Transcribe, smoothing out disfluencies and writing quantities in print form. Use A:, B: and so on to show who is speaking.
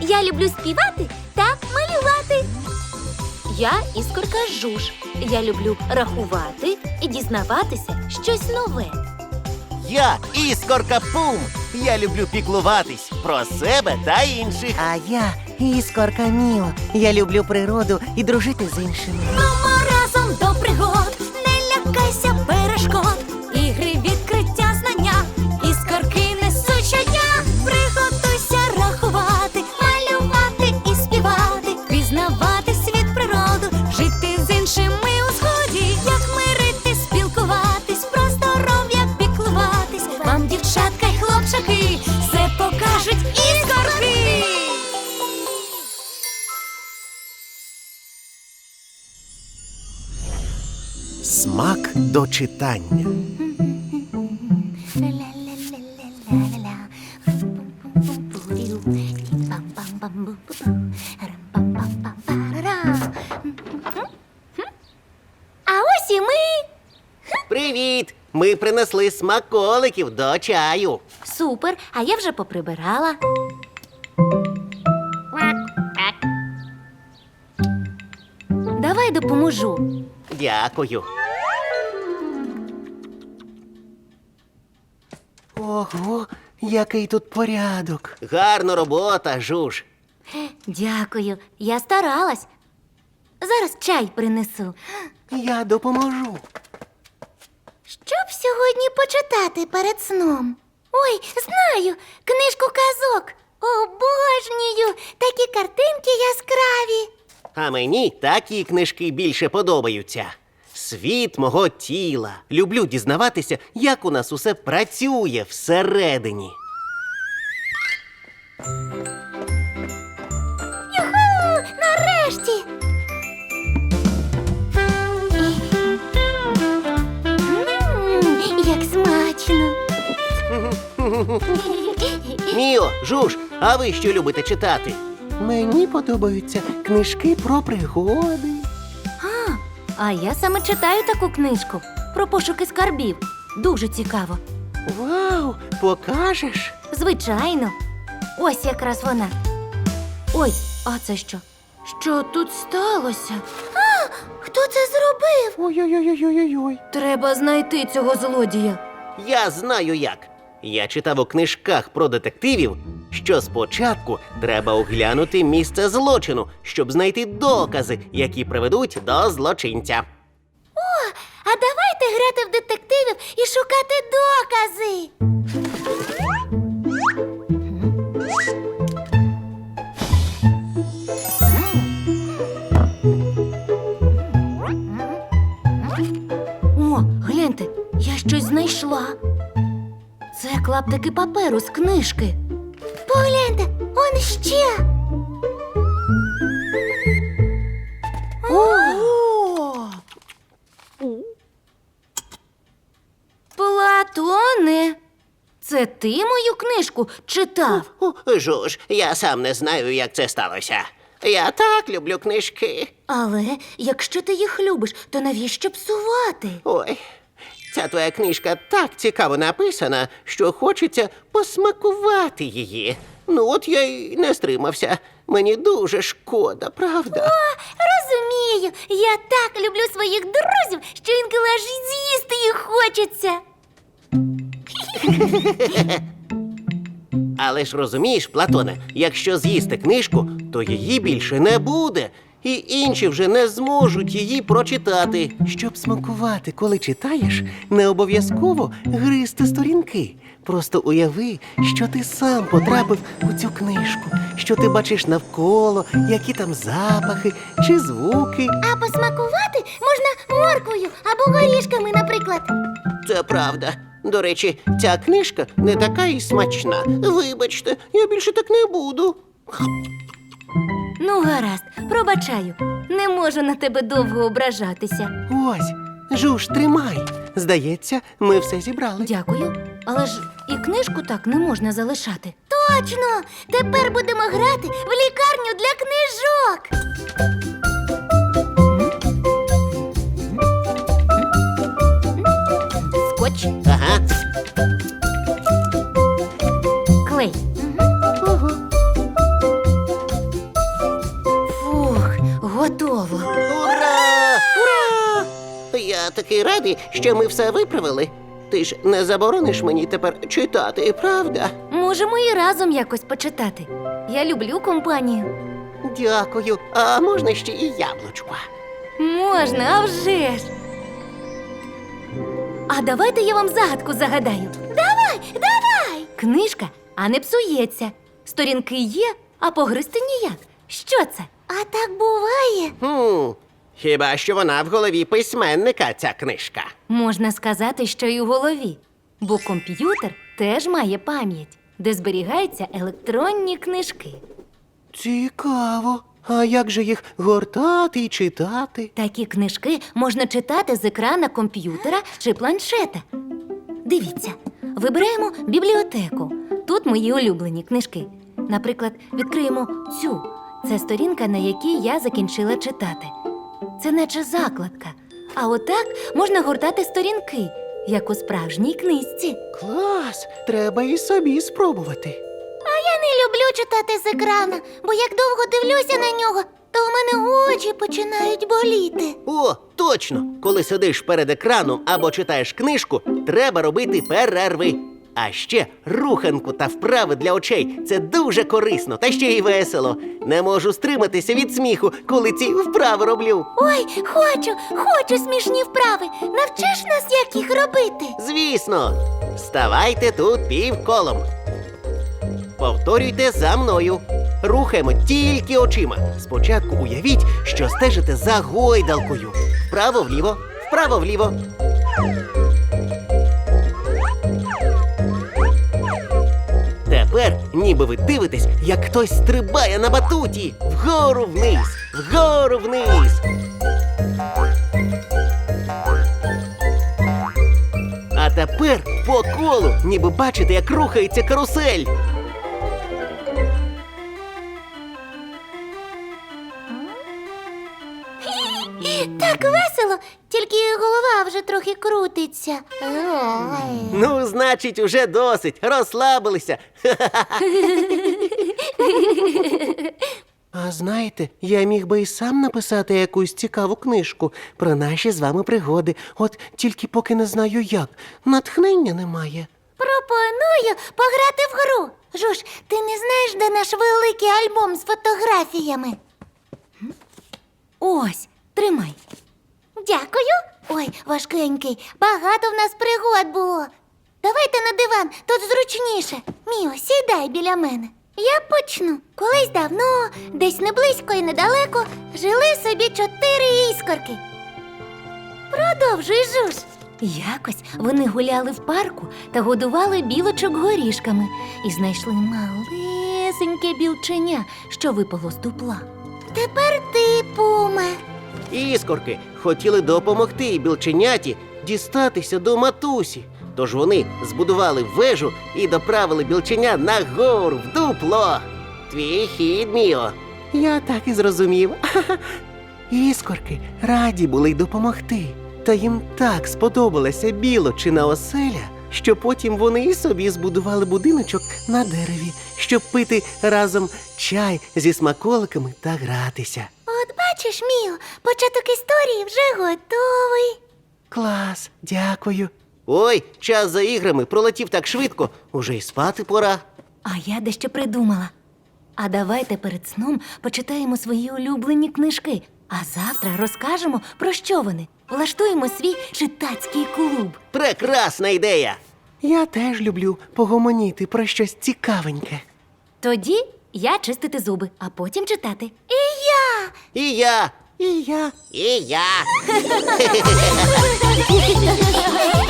A: Я люблю співати та малювати. Я іскорка Жуж. Я люблю рахувати і дізнаватися щось нове.
B: Я іскорка Пум. Я люблю піклуватись про себе та інших.
C: А я іскорка Міо. Я люблю природу і дружити з іншими.
A: Мамо, разом до пригод, не лякайся перешкод. Ігри, відкриття, знання, іскорки несуть щодня. Приготуйся рахувати, малювати і співати, пізнавати світ, природу, жити з іншими у згоді. Як мирити, спілкуватись, про здоров'я піклуватись. Вам, дівчатка й хлопчаки, все покажуть іскорки.
B: Смак до читання.
A: А ось і ми.
B: Привіт! Ми принесли смаколиків до чаю.
A: Супер, а я вже поприбирала. Давай допоможу.
B: Дякую.
C: Ого, який тут порядок.
B: Гарна робота, Жуж.
A: Дякую, я старалась. Зараз чай принесу.
C: Я допоможу.
A: Що б сьогодні почитати перед сном? Ой, знаю, книжку казок. Обожнюю, такі картинки яскраві.
B: А мені такі книжки більше подобаються. Світ мого тіла. Люблю дізнаватися, як у нас усе працює всередині.
A: Юху! Нарешті! Як смачно!
B: Міо, Жуж, а ви що любите читати?
C: Мені подобаються книжки про пригоди.
A: А я саме читаю таку книжку про пошуки скарбів. Дуже цікаво.
C: Вау, покажеш?
A: Звичайно. Ось якраз вона. Ой, а це що? Що тут сталося? А, хто це зробив?
C: Ой-ой-ой-ой-ой-ой.
A: Треба знайти цього злодія.
B: Я знаю як. Я читав у книжках про детективів, що спочатку треба оглянути місце злочину, щоб знайти докази, які приведуть до злочинця.
A: А давайте грати в детективів і шукати докази. О, гляньте, я щось знайшла. Це клаптики паперу з книжки. Погляньте, он ще.
C: О!
A: Платоне, це ти мою книжку читав?
B: Жуж, я сам не знаю, як це сталося. Я так люблю книжки.
A: Але якщо ти їх любиш, то навіщо псувати?
B: Ой, ця твоя книжка так цікаво написана, що хочеться посмакувати її. Ну от я й не стримався. Мені дуже шкода, правда?
A: Розумію, я так люблю своїх друзів, що інколи аж з'їсти їх хочеться.
B: Але ж розумієш, Платоне, якщо з'їсти книжку, то її більше не буде. І інші вже не зможуть її прочитати.
C: Щоб смакувати, коли читаєш, не обов'язково гризти сторінки. Просто уяви, що ти сам потрапив у цю книжку, що ти бачиш навколо, які там запахи чи звуки.
A: А посмакувати можна морквою або горішками, наприклад.
B: Це правда. До речі, ця книжка не така і смачна. Вибачте, я більше так не буду.
A: Ну, гаразд, пробачаю. Не можу на тебе довго ображатися.
C: Ось, Жуж, тримай. Здається, ми все зібрали.
A: Дякую. Але ж і книжку так не можна залишати. Точно! Тепер будемо грати в лікарню для книжок. Скотч,
B: Ага.
A: клей.
B: Я такий радий, що ми все виправили. Ти ж не заборониш мені тепер читати, правда?
A: Можемо і разом якось почитати. Я люблю компанію.
B: Дякую. А можна ще і яблучко?
A: Можна, а вже ж. А давайте я вам загадку загадаю. Давай! Книжка, а не псується. Сторінки є, а погризти ніяк. Що це? А так буває.
B: Хіба що вона в голові письменника, ця книжка.
A: Можна сказати, що й у голові. Бо комп'ютер теж має пам'ять, де зберігаються електронні книжки.
C: Цікаво. А як же їх гортати і читати?
A: Такі книжки можна читати з екрана комп'ютера чи планшета. Дивіться, вибираємо бібліотеку. Тут мої улюблені книжки. Наприклад, відкриємо цю. Це сторінка, на якій я закінчила читати. Це наче закладка. А отак можна гортати сторінки, як у справжній книжці.
C: Клас! Треба і собі спробувати.
D: Я не люблю читати з екрана, бо як довго дивлюся на нього, то в мене очі починають боліти.
B: О, точно! Коли сидиш перед екраном або читаєш книжку, треба робити перерви. А ще руханку та вправи для очей – це дуже корисно та ще й весело. Не можу стриматися від сміху, коли ці вправи роблю.
D: Ой, хочу смішні вправи. Навчиш нас, як їх робити?
B: Звісно, ставайте тут півколом. Повторюйте за мною. Рухаємо тільки очима. Спочатку уявіть, що стежите за гойдалкою. Вправо-вліво, вправо-вліво. Тепер ніби ви дивитесь, як хтось стрибає на батуті. Вгору-вниз, вгору-вниз. А тепер по колу, ніби бачите, як рухається карусель.
D: Так весело, тільки голова вже трохи крутиться. Ой.
B: Ну, значить, уже досить. Розслабилися.
C: А знаєте, я міг би і сам написати якусь цікаву книжку про наші з вами пригоди. От тільки поки не знаю як. Натхнення немає.
D: Пропоную пограти в гру. Жуж, ти не знаєш, де наш великий альбом з фотографіями?
A: Ось, тримай.
D: Дякую. Ой, важкенький. Багато в нас пригод було. Давайте на диван, тут зручніше. Міо, сідай біля мене. Я почну. Колись давно, десь не близько і недалеко, жили собі 4 іскорки. Продовжуй, Жуж.
A: Якось вони гуляли в парку та годували білочок горішками і знайшли малесеньке білченя, що випало з дупла.
D: Тепер ти, Пуме.
B: Іскорки хотіли допомогти білченяті дістатися до матусі. Тож вони збудували вежу і доправили білченя нагору в дупло. Твій хід, Міо.
C: Я так і зрозумів. Іскорки раді були й допомогти. Та їм так сподобалася білочина оселя, що потім вони і собі збудували будиночок на дереві, щоб пити разом чай зі смаколиками та гратися.
D: От бачиш, Міо, початок історії вже готовий.
C: Клас, дякую.
B: Ой, час за іграми пролетів так швидко, уже й спати пора.
A: А я дещо придумала. А давайте перед сном почитаємо свої улюблені книжки, а завтра розкажемо, про що вони. Влаштуємо свій читацький клуб.
B: Прекрасна ідея!
C: Я теж люблю погомоніти про щось цікавеньке.
A: Тоді я чистити зуби, а потім читати.
B: І я!
C: І я.
B: І я!
D: Ой.